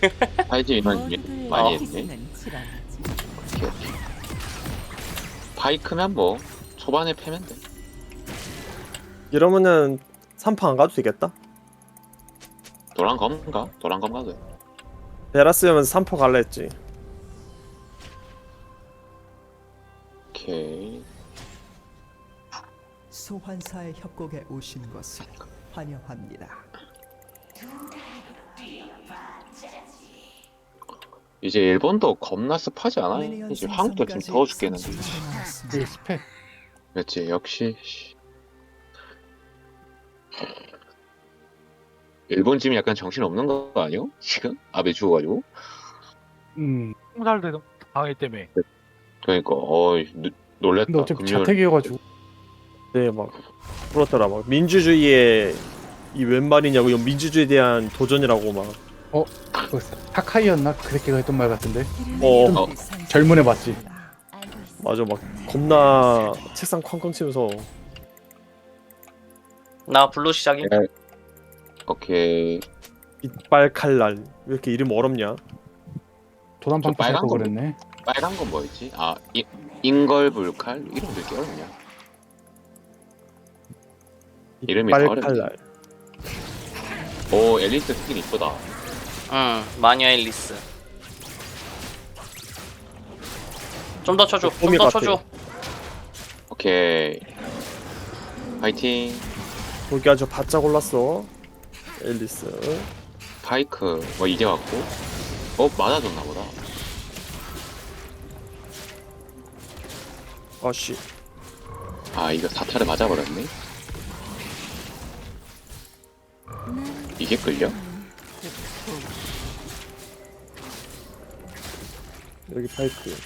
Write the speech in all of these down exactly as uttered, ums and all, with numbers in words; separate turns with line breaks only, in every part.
파이즈만
모두들
많이
어.
했네.
희생은 치러야지.
오케이, 오케이. 파이크면 뭐 초반에 패면 돼.
이러면은 삼 파 안 가도 되겠다.
도란검가? 도란검 가도 돼.
베라스면 삼 파 갈라 했지.
오케이.
소환사의 협곡에 오신 것을 환영합니다.
이제 일본도 겁나 습하지 않아? 이제 한국도 좀 더워 죽겠는데.
되게 습해.
그렇지, 역시. 씨. 일본 팀이 약간 정신 없는 거 아니요? 지금 아베 죽어가지고.
음.
홍살대 방해 때문에.
그러니까 어이 노- 놀랬다.
근데 어차피
금요일.
자택이어가지고.
네, 막 그렇더라. 막 민주주의의 이 웬 말이냐고, 이건 민주주의에 대한 도전이라고 막.
그 타카이였나? 그 새끼가 했던 말 같은데.
어,
어.
젊은 애 맞지?
맞아, 막 겁나 책상 쾅쾅 치면서.
나 블루 시작임.
네. 오케이.
이빨 칼날. 왜 이렇게 이름 어렵냐?
도난방도
저 빨간
살거
거
그랬네.
빨간 건 뭐였지? 아 이, 인걸불칼 이름 왜 이렇게 어렵냐? 이름이
이빨
어렵네.
칼날.
오 앨리스 스킨 이쁘다.
응, 마녀 앨리스. 좀 더 쳐줘. 좀
봄이
더
같아.
쳐줘.
오케이. 파이팅.
거기 아주 바짝 올랐어. 앨리스.
파이크 뭐 이제 왔고. 어 맞아줬나 보다.
아씨.
아 이거 사타를 맞아버렸네. 이게 끌려?
여기 파이크.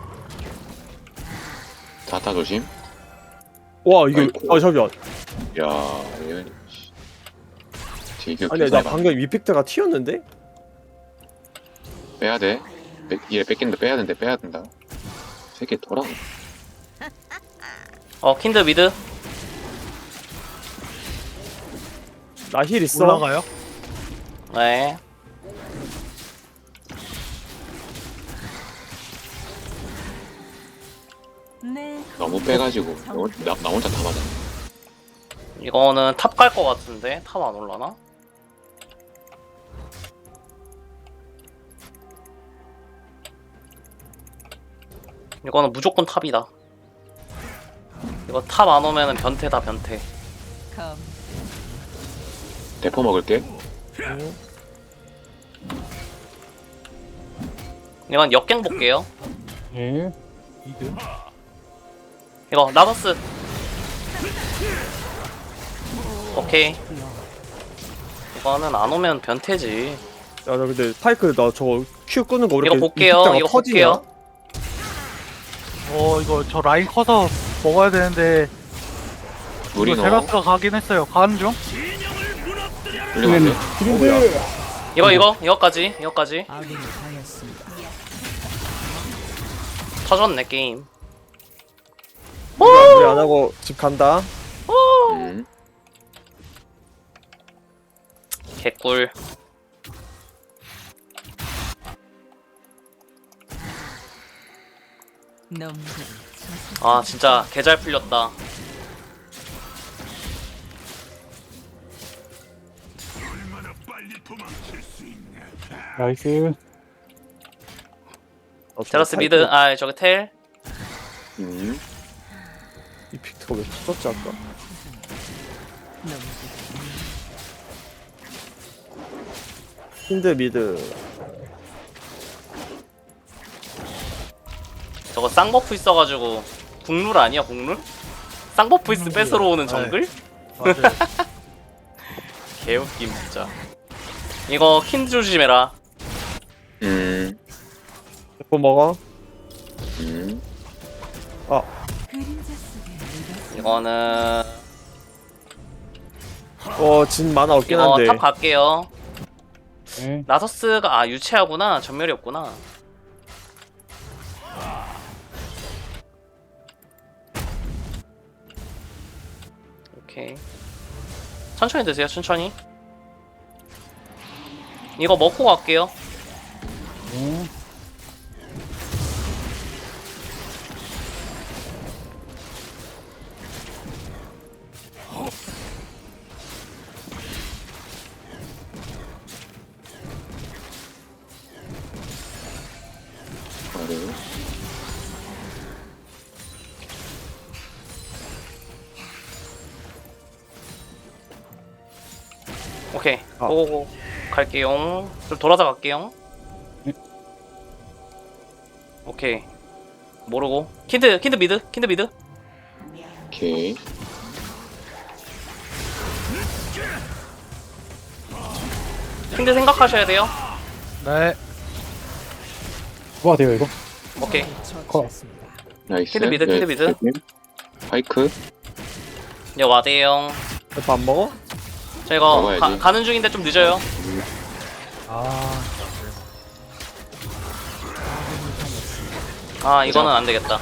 사타 조심.
와, 이거
아이고.
아 잠시만.
야 이거 되게
아니, 나 방금 이펙트가 튀었는데?
빼야 돼. 빼, 얘 뺏긴다 빼야 된다 빼야 된다. 새끼 돌아.
어, 킨드 미드.
나 힐 있어.
올라가요?
네.
네,
너무 빼가지고 나, 나, 나 혼자 다 맞아.
이거는 탑 갈 것 같은데 탑 안 올라나? 이거는 무조건 탑이다. 이거 탑 안 오면은 변태다 변태.
검.
대포 먹을게.
이건 역갱 볼게요.
예.
이드.
이거 나서스. 오케이. 이거는 안 오면 변태지.
야, 나 근데 파이크 나 저거 큐 끄는 거 왜
이거
이렇게
볼게요.
이펙트가
이거
터지냐?
볼게요.
어 이거 저 라인 커서 먹어야 되는데
우리
이거
너
제라스가 가긴 했어요. 가는 중.
훌륭한데?
기린들.
이거 이거 이거까지 이거까지
아군이 당했습니다.
터졌네 게임.
우리 안 하고 집 간다.
음.
개꿀.
놈들.
아 진짜 개잘 풀렸다.
나이스.
아, 저거
제라스
파이크
미드. 아 저기 텔.
음.
이펙트가 왜 터졌지 아까?
놈들.
힌드 미드.
저거 쌍버프 있어가지고 국룰 아니야 국룰? 쌍버프 있으 뺏으러 오는 정글?
맞아요.
개웃김 진짜. 이거 킨드 조심해라.
음.
대포 먹어.
음.
그림자 속에 묻었어.
이거는
어, 진 만화 없긴
이거
한데.
탑 갈게요.
예.
나서스가 아 유체하구나. 전멸이 없구나. 오케이. 천천히 드세요. 천천히. 이거 먹고 갈게요.
오.
아래.
오케이.
아.
고고고. 갈게요. 좀 돌아서 갈게요. 오케이. 모르고. 킨드, 킨드 미드, 킨드 미드.
오케이.
킨드 생각하셔야 돼요.
네.
뭐가 돼요 이거?
오케이.
처치했습니다.
나이스.
킨드 미드, 킨드 미드.
파이크.
여 와대용.
밥 먹어?
저 이거
먹어야지.
가, 가는 중인데 좀 늦어요.
아,
아 이거는 안 되겠다.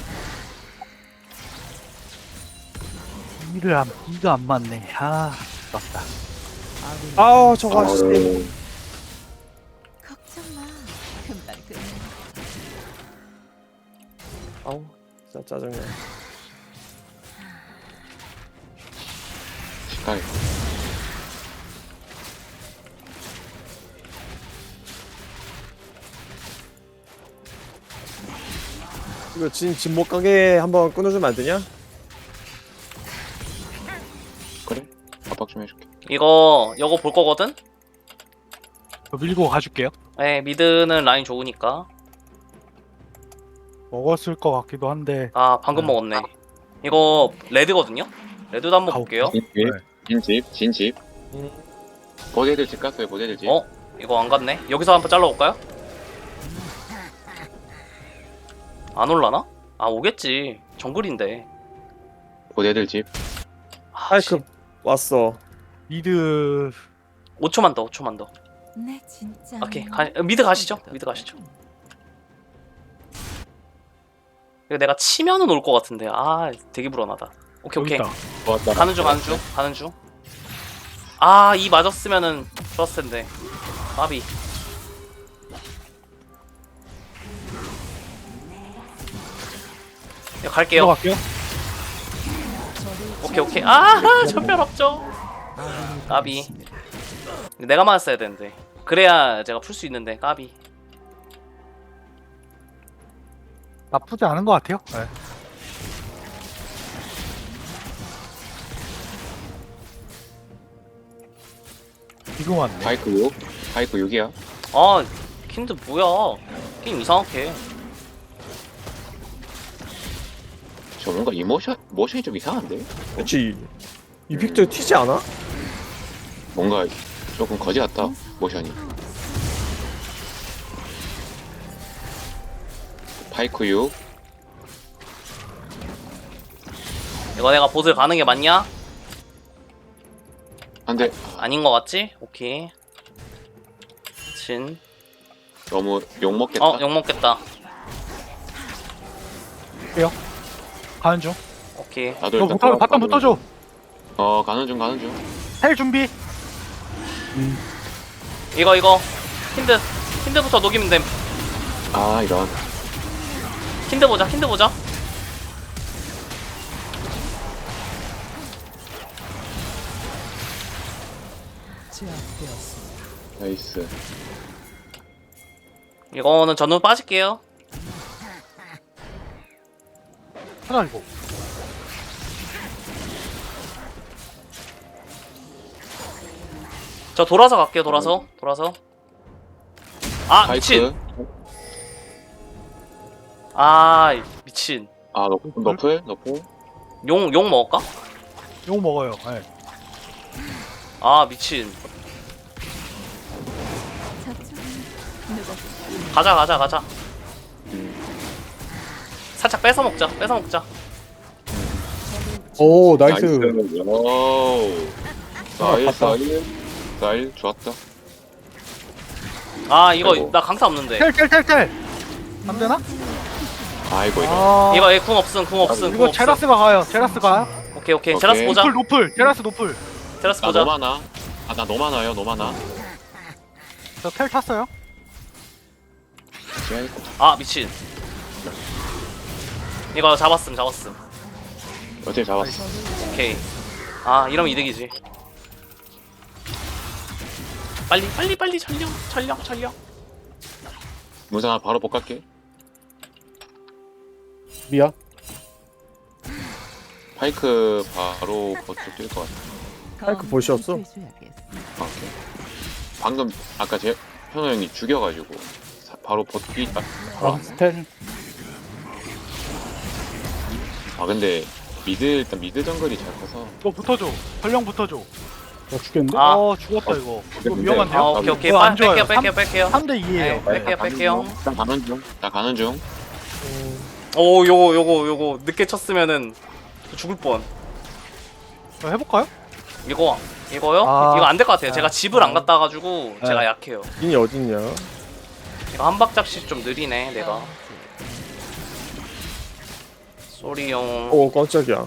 이를 안, 이가 안 맞네. 아, 맞다.
아우 저거
아,
아저씨.
걱정 마. 금방 끝나.
아우 진짜 짜증나.
시카이.
이거 진, 진 못 가게 한번 끊어주면 안 되냐?
그래? 압박 좀 해줄게.
이거 요거 볼 거거든.
저 밀고 가줄게요.
네 미드는 라인 좋으니까.
먹었을 것 같기도 한데.
아 방금
네.
먹었네. 이거 레드거든요. 레드도 한번 볼게요.
진집.
네.
진집. 진집.
음.
보대들 집 갔어요. 보대들 집.
어? 이거 안 갔네. 여기서 한번 잘라볼까요? 안 올라나? 아 오겠지. 정글인데.
보대들 집.
아,
파이크 왔어.
미드.
오 초만 더. 오 초만 더.
내 진짜.
오케이. 가, 미드 가시죠. 미드 가시죠. 이거 내가 치면은 올 것 같은데. 아 되게 불안하다. 오케이 오케이.
여기 있다.
좋았다.
가는 중 가는 중 가는 중. 아 이 맞았으면은 좋았을 텐데. 까비. 이거 갈게요.
들어갈게요.
오케이 오케이. 아 전멸 없죠. 까비. 내가 맞았어야 되는데. 그래야 제가 풀 수 있는데 까비.
나쁘지 않은 것 같아요. 네. 지금 왔네.
파이크 육. 파이크 육이야.
아 킨드 뭐야. 게임 이상하게.
저 뭔가 이모션 모션이 좀 이상한데?
그렇지. 이 픽트 튀지 않아?
뭔가 조금 거지 같다. 모션이. 파이크 육.
이거 내가 보슬 가는 게 맞냐?
안돼.
아닌 거 같지? 오케이. 진.
너무 욕 먹겠다.
어 욕먹겠다.
가는 중.
오케이.
나도
이거
일단
붙어, 바텀
가는
붙어줘.
중. 어 가는 중 가는 중.
헬 준비.
이거 이거 킨드 킨드부터 녹이면 됨.
아 이런.
킨드 보자. 킨드 보자.
제압되었습니다.
나이스.
이거는 전후 빠질게요.
하나 이거.
저 돌아서 갈게요. 돌아서 돌아서. 아 미친.
파이크.
아 미친.
아 너, 너플? 너플?
용 용 먹을까?
이거 먹어요. 네.
아 미친.
저쪽은 누가
가자 가자 가자.
음.
살짝 뺏어 먹자. 뺏어 먹자.
오 나이스.
오. 나이스 나이스. 나이스 좋았다.
아 이거
아이고.
나 강타 없는데.
텔, 텔, 텔, 텔. 안 되나?
아이고 이런.
아,
이거 얘 궁 없음 궁 없음 궁
이거
없음.
제라스가 가요. 제라스 가요.
오케이 오케이.
오케이.
제라스 보자.
노플, 노플. 제라스 노플.
제라스
나
보자.
너무 많아. 아, 나 너무 많아요. 너무 많아.
저 텔 탔어요.
아,
텔 탔어요.
아,
지하 있고.
아 미친. 이거 잡았음 잡았음.
어떻게 잡았어?
오케이. 아 이러면 이득이지. 빨리 빨리 빨리 전령 전령 전령.
문상아 바로 복 갈게.
미야.
파이크 바로 거쪽 뛸 것 같아.
파이크 보셨어?
해줘야겠어.
아, 오케이. 방금 아까 제 현우 형이 죽여가지고 사- 바로 버티. 아,
아 스텔.
아 근데 미드 일단 미드 정글이 잘 커서.
이거 붙어줘. 전령 붙어줘.
나 죽겠는데?
아.
어 죽었다 이거. 이거
근데-
위험한데요?
아 오케이 오케이.
이거
빨
안 좋아요.
뺄게요 뺄게요 뺄게요.
삼 대 이에요.
네. 뺄게요, 뺄게요.
나 가는 중. 나 가는 중.
오 요거 요거 요거 늦게 쳤으면은 죽을 뻔.
해볼까요?
이거 이거요?
아.
이거 안 될 것 같아요. 제가
아.
집을 안 갔다 가지고
네.
제가 약해요.
인이 어딨냐?
이거 한 박자씩 좀 느리네 내가. 쏘리용.
오 깜짝이야.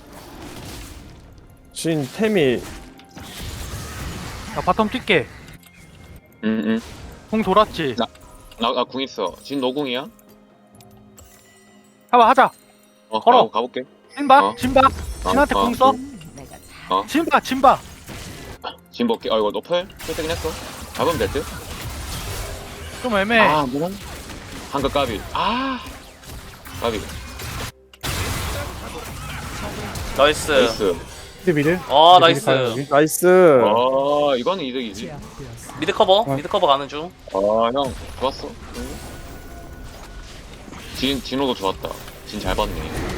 진 템이
나 바텀 뛸게.
응응.
공 돌았지.
나 나 궁 있어. 진 노궁이야?
해봐 하자.
어
걸어.
가, 가볼게.
진박
어.
진박.
어,
진한테
어,
공 써.
내가 잘
진박 진박.
진 볼게. 아 이거 너플? 풀뜨긴 했어. 잡으면 될 듯?
좀 애매해.
아 뭐라? 한글 까비. 아 까비.
나이스.
나이스.
미드 미드.
어
미드 미드 가요,
나이스.
여기.
나이스.
아 이거는 이득이지.
제압되었습니다.
미드 커버
어.
미드 커버 가는 중.
아형 좋았어. 응. 진 진호도 좋았다. 진 잘 봤네.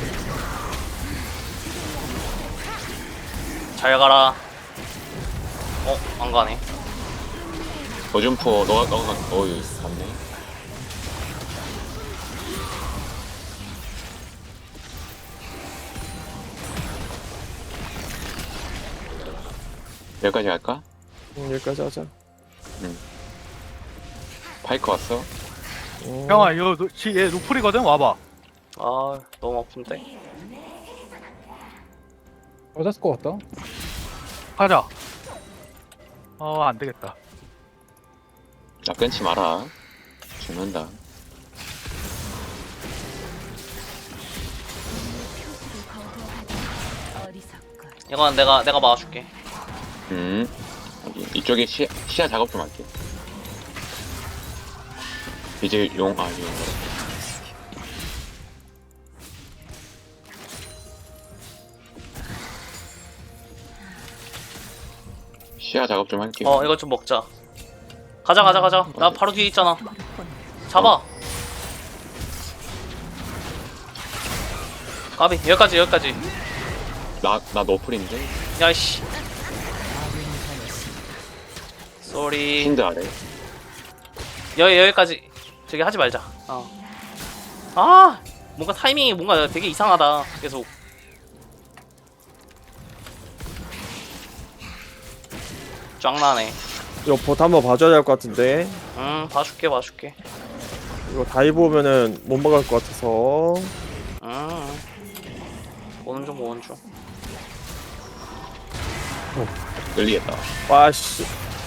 잘 가라. 어 안 가네.
거준포 너가 너가 어이 갔네. 여기까지 갈까?
음, 여기까지 하자.
파이크 왔어?
음,
형아 이거 노- 지- 얘 루플이거든. 와봐.
아 너무 아픈데.
맞았을 것 같다.
가자. 어 안되겠다.
나 끊지 마라. 죽는다.
표시를 거부하다니 어리석군.
이건 내가 내가 막아줄게.
음. 여기 이쪽에 시, 시야 작업 좀 할게. 이제 용, 아, 용. 시야 작업 좀 할게.
어 이거 좀 먹자. 가자 가자 가자. 나 바로 뒤에 있잖아. 잡아. 까비 여기까지 여기까지.
나, 나 너플인데?
야이씨. 쏘리.
힌드 아래.
여기 여기까지. 저기 하지 말자. 어. 아 뭔가 타이밍이 뭔가 되게 이상하다. 계속. 짱나네.
이거 보트 한번 봐줘야 될 것 같은데.
음 봐줄게 봐줄게.
이거 다이브 오면은 못 막을 것 같아서.
음. 오는 중 오는 중.
끌리겠다.
와씨.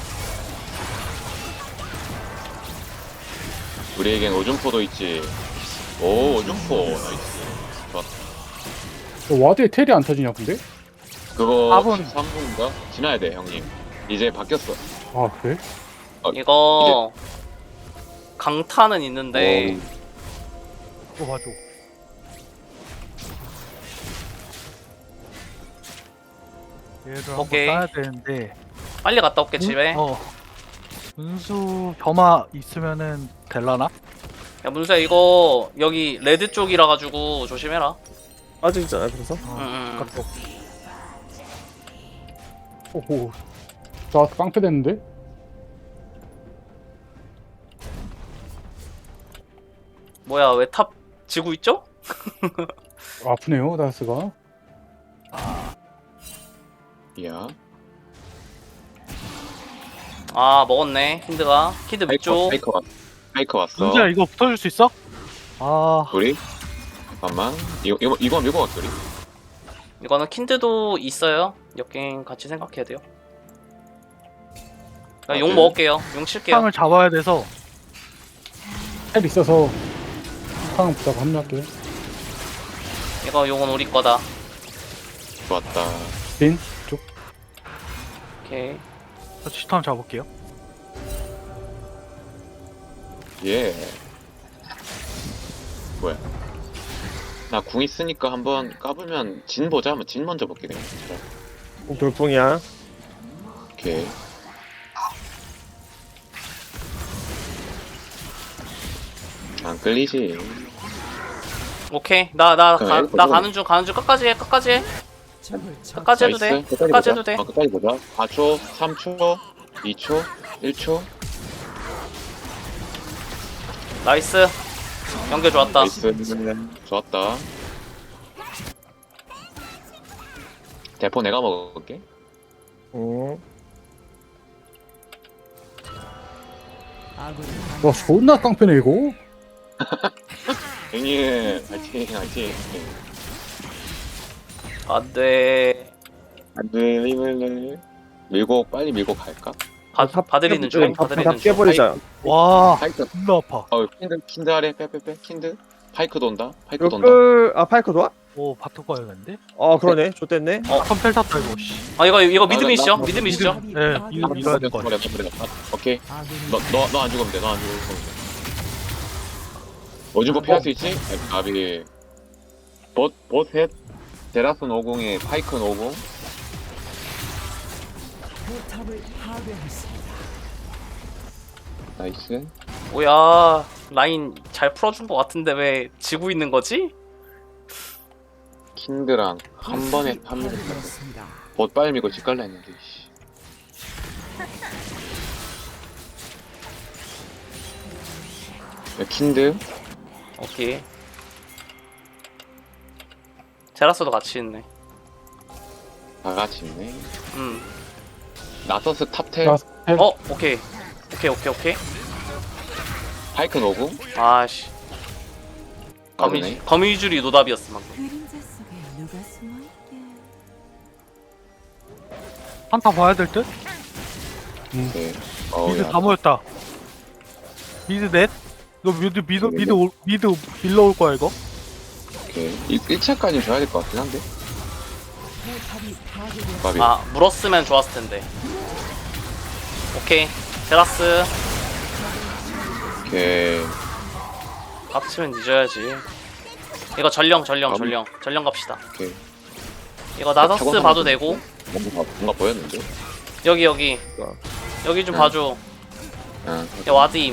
우리에겐 오줌포도 있지. 오, 오줌포. 나이스. 좋았다.
너 와드에 텔이 안 터지냐 근데?
그거
사 분.
십삼 분인가? 지나야 돼, 형님. 이제 바뀌었어.
아 그래?
이거 강타는 있는데
이거 봐줘. 얘를 한번
오케이.
따야 되는데.
빨리 갔다 올게 집에.
어. 분수 점화 있으면은 될라나?
야 문수야 이거 여기 레드 쪽이라 가지고 조심해라.
빠지잖아 그래서.
어.
음.
아깝다.
오호. 나 깡패 됐는데?
뭐야 왜 탑 지고 있죠?
아프네요 다스가.
이야.
아 먹었네 힌드가. 힌드
파이커,
밑쪽.
파이커 왔, 파이커 왔어.
분수야 이거 붙어줄 수 있어? 아
우리? 잠깐만. 이거, 이거, 이거 밀고 갈게, 우리.
이거는 킨드도 있어요. 역갱 같이 생각해야 돼요. 나
아,
용
네.
먹을게요. 용 칠게요.
상을 잡아야 돼서.
헬 있어서 상황 보다가 합류할게요.
이거 요건 우리 거다.
좋았다.
빈 쪽.
오케이.
저 치탐 잡을게요.
예. 뭐야? 나 궁 있으니까 한번 까불면 진 보자. 한번 진 먼저 볼게 그냥.
돌풍이야.
오케이. 안 끌리지.
오케이. 나 나
그럼
나
이거
가는 중 가는 중 끝까지 해. 끝까지 해. 끝까지 해도 돼.
나이스.
끝까지 해도 돼.
어, 끝까지 보자. 사 초, 삼 초, 이 초, 일 초.
나이스. 연결 좋았다.
나이스. 좋았다. 대포 내가 먹을게.
응.
아군이
와 존나 깡패네 이거.
형님, 화이팅, 화이팅.
안돼.
안 돼, 이번에. 밀고, 빨리 밀고 갈까?
바 바드리는 중.
다
바드리는 중.
깨버리자.
와,
파이크.
존나 아파.
어, 킨드, 킨드 아래, 빼빼빼, 킨드. 파이크 돈다, 파이크
이거
돈다.
끌, 아, 파이크 도와?
오, 바토 가야겠는데?
아, 그러네. 좋댔네.
어, 컴펠 탔다 이거. 씨.
아 이거 이거 미드
나-
미시죠?
나-
미드 미시죠?
네, 이거 밀어야 될 것 같아.
버려, 버려, 버려. 오케이.
아군이
너, 너, 너 안 죽으면 돼, 너 안 죽으면 돼. 어준거 피할 수 있지? 아비. 봇, 봇셋, 데라슨 오공에 파이큰 오공.
포탑을 파괴했습니다.
나이스.
뭐야 라인 잘 풀어준 것 같은데 왜 지고 있는 거지?
킨드랑 한 번에 한 명을
파괴되었습니다.
봇 빨리 밀고 집 갈라 했는데, 씨. 야, 킨드.
오케이. 제라스도 같이 있네.
다 같이 있네.
음.
나서스 탑텔,
자, 헬.
어 오케이. 오케이 오케이 오케이.
파이큰 오공.
아씨. 거미
빠르네.
거미줄이 노답이었어 방금.
그림자 속에 누가 숨어 있게.
한타 봐야 될 듯?
네. 어우,
미드
야.
다 모였다. 미드 넷? 이거 미드 미드 미드 올- 미드 밀러 올 거야 이거?
오케이. 일 차까지 줘야 될 것 같긴 한데.
포탑이 파괴되었습니다.
바비.
아 물었으면 좋았을 텐데. 오케이. 제라스.
오케이.
깝치면 늦어야지. 이거 전령 전령
아,
전령 전령 갑시다.
오케이.
이거 나서스
저거
봐도
하면
되고
뭔가, 뭔가 보였는데?
여기 여기
어.
여기 좀
응.
봐줘.
아,
야 와드임.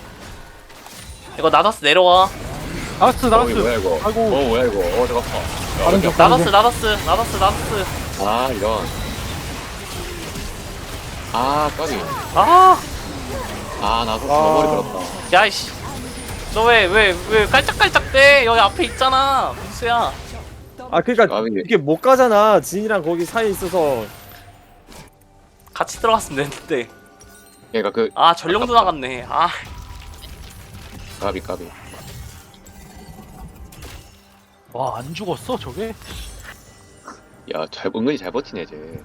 이거 나서스 내려와.
나스
어,
나스.
이거 뭐야, 이거?
아이고.
어, 뭐야, 이거? 어, 잠깐만.
다른 쪽
나서스 나서스 나서스 나서스.
아, 이런. 아, 까비.
아
아, 나서
아.
머리 들었다.
야이씨. 너 왜 왜 왜 깔짝깔짝대? 여기 앞에 있잖아. 무수야.
아, 그니까,
까비.
이게 못 가잖아. 진이랑 거기 사이에 있어서.
같이 들어갔으면 됐는데.
그러니까 그,
아 전령도 나갔네. 아
까비, 까비.
와, 안 죽었어 저게?
야, 잘, 은근히 잘 버티네, 쟤.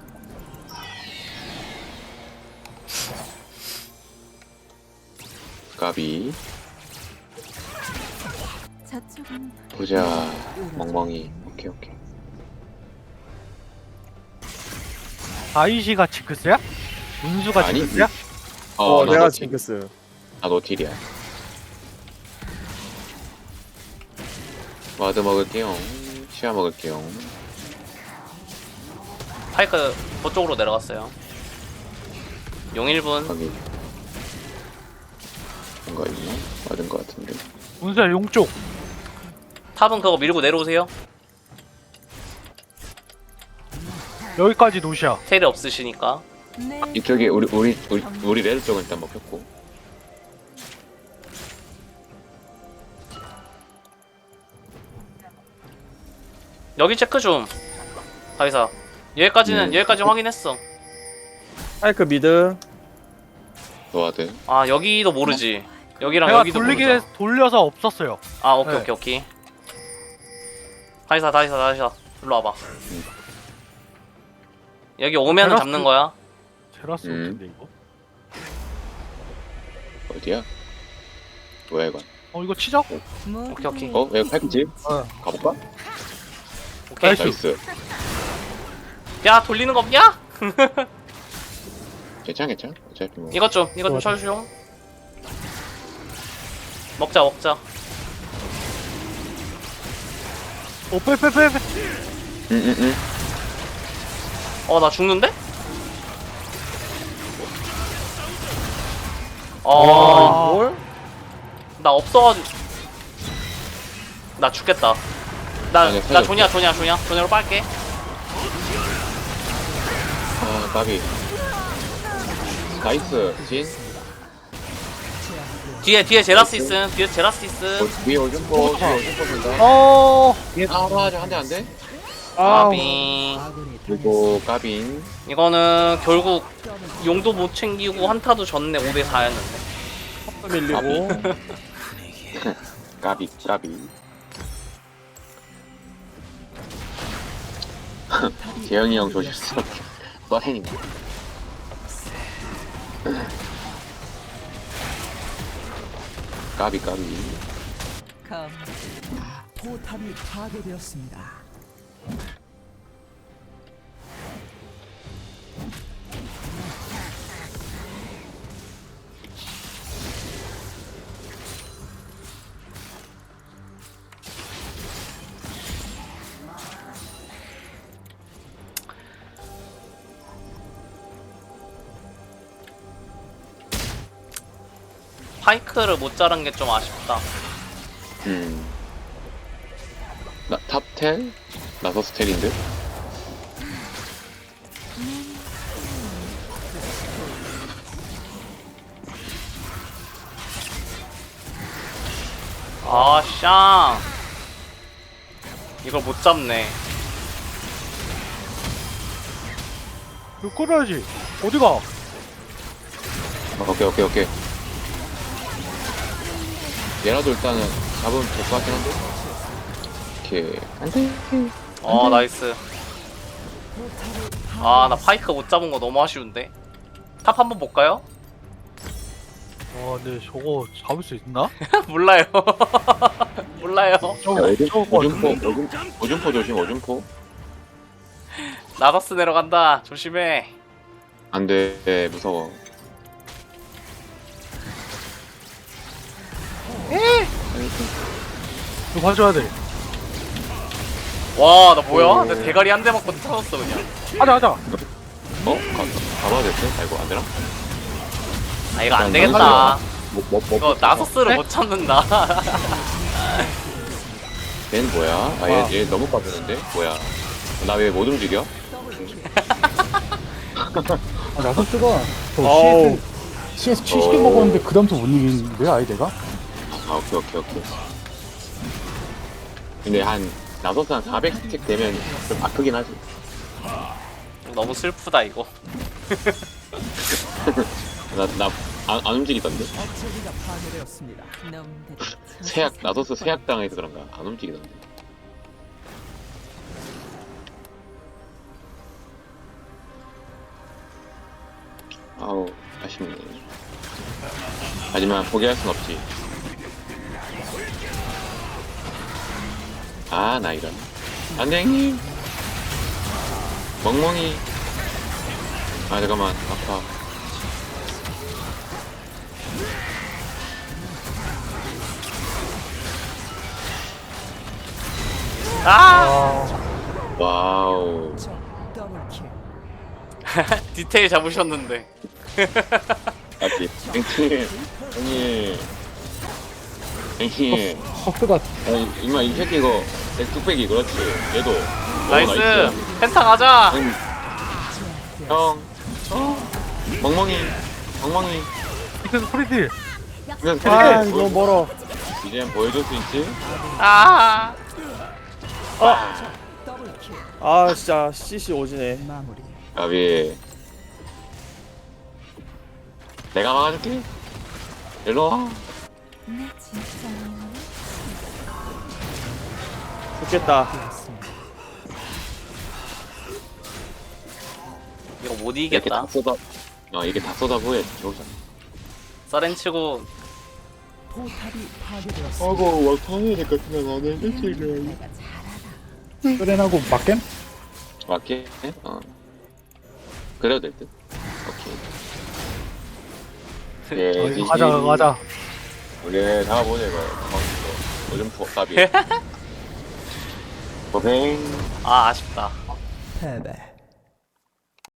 까비.
저쪽은
보자. 멍멍이. 오케이, 오케이.
아이시가 징크스야? 운수가
아니,
징크스야?
어,
어,
나
내가
노틸.
징크스.
나 노틸이야. 와드 먹을게요. 시야 먹을게요.
파이크 그쪽으로 내려갔어요. 용 일 분.
거기. 뭔가 있나? 맞은 것 같은데.
운수야 용쪽.
탑은 그거 밀고 내려오세요.
여기까지 노시야.
텔이 없으시니까.
내
이쪽에 우리 우리 우리 우리 레드 쪽은 일단 먹혔고.
여기 체크 좀. 가이사. 여기까지는
네.
여기까지 확인했어.
파이크 미드.
노와드.
아 여기도 모르지. 여기랑
내가
여기도
돌리기
모르죠.
돌려서 없었어요.
아 오케이
네.
오케이 오케이. 가이사 가이사 가이사. 일로 와봐. 여기 오면은
테라스-
잡는 거야.
제라스
음.
같은데 이거?
어디야? 뭐야 이건?
어 이거 치자고.
오케이, 오케이.
어? 왜 팔찌?
어.
가볼까?
오케이.
나이스.
나이스.
야 돌리는 거 없냐?
괜찮아 괜찮아. 어차피 뭐.
이것 좀 이것 좀 쳐주쇼. 먹자 먹자.
어 빼빼빼 빼.
응응응.
어 나 죽는데? 어.
뭘?
나 없어가지고 나 죽겠다. 나
아니야,
나
살려줘.
조냐 조냐 조냐 조냐로 빨게.
아 까비. 나이스. 진.
뒤에 뒤에 제라스 있음. 뒤에 제라스 있음.
어, 위에 오줌포. 위에 오줌포 본다.
어.
아 맞아 한대 안 돼?
까비.
아군이
그리고 까빈.
이거는 결국 용도 못 챙기고 한타도 졌네. 오 대 사였는데.
밀리고.
까비 까비. 재영이 형 조셨어. 뻔행이네. 까비 까비.
검
포탑이 파괴되었습니다.
파이크를 못 자른 게 좀 아쉽다.
음. 나 탑텔? 나서스 텔인데?
아, 샹. 이걸 못 잡네.
이거 끌어야지. 어디가?
어, 오케이 오케이 오케이. 얘라도 일단은 잡으면 될 것 같긴 한데. 오케이. 안돼.
어, 나이스. 아, 나 파이크 못 잡은 거 너무 아쉬운데. 탑 한번 볼까요?
와 근데 저거 잡을 수 있나?
몰라요. 몰라요.
저거
오줌,
저거
오줌포,
같은데?
오줌, 오줌포 조심, 오줌포.
나더스 내려간다. 조심해.
안 돼, 무서워.
이거 봐줘야 돼.
와, 나 뭐야? 내 대가리 한 대 맞고 터졌어 그냥.
하자 하자.
어? 가, 가봐야 됐어? 아이고, 안 되나?
아, 이거 안
일단
되겠다.
뭐, 뭐, 뭐,
이거 나서스를 못 참는다.
쟤는 뭐야? 아, 얘, 얘 너무 빠졌는데? 뭐야? 나 왜 못 움직여?
아, 나서스가 저
아우.
씨에스 씨에스 칠십 개
오.
먹었는데 그 다음부터 못 이기는데 아예 내가?
아, 오케이, 오케이, 오케이. 근데 한, 나서스 한 사백 스택 되면 좀 아프긴 하지.
너무 슬프다 이거.
나, 나, 안, 안 움직이던데?
어체기가 파괴되었습니다.
놈들
세약, 나서스 세약 당해서 그런가? 안 움직이던데. 아우, 아쉽네. 하지만 포기할 순 없지. 아, 나 이런. 안 돼, 형님! 멍멍이. 아, 잠깐만. 아파.
아,
와우.
더블킬.
디테일 잡으셨는데.
맞지? 형님. 형님. 형님.
허스가
아니, 임마, 이 새끼 이거, 내 뚝배기, 그렇지. 얘도. 오,
나이스. 펜타 가자.
응. 형. 어? 멍멍이. 멍멍이.
밑에서 프리딜.
그냥
아,
캐릭터
너무 멀어.
이제 한번 보여줄 수 있지?
아,
더블킬.
아, 진짜 씨씨 오지네.
마무리.
가비. 내가 막아줄게. 일로 와.
내 진짜
좋겠다.
이거 못
이렇게 다
이기겠다.
쏟아. 어, 이게 다 쏟아부어. 좋잖아.
서렌 치고
포탑이 파괴되었습니다.
아고 와카메를 같은 거 안해 일주일을
소렌하고 맞겜?
맞게? 어 그래도 될듯 오케이 예
어,
지지.
가자 가자.
원래 잡아보자 이거 방금 요즘 푸업답이 고생
아 아쉽다.
패배.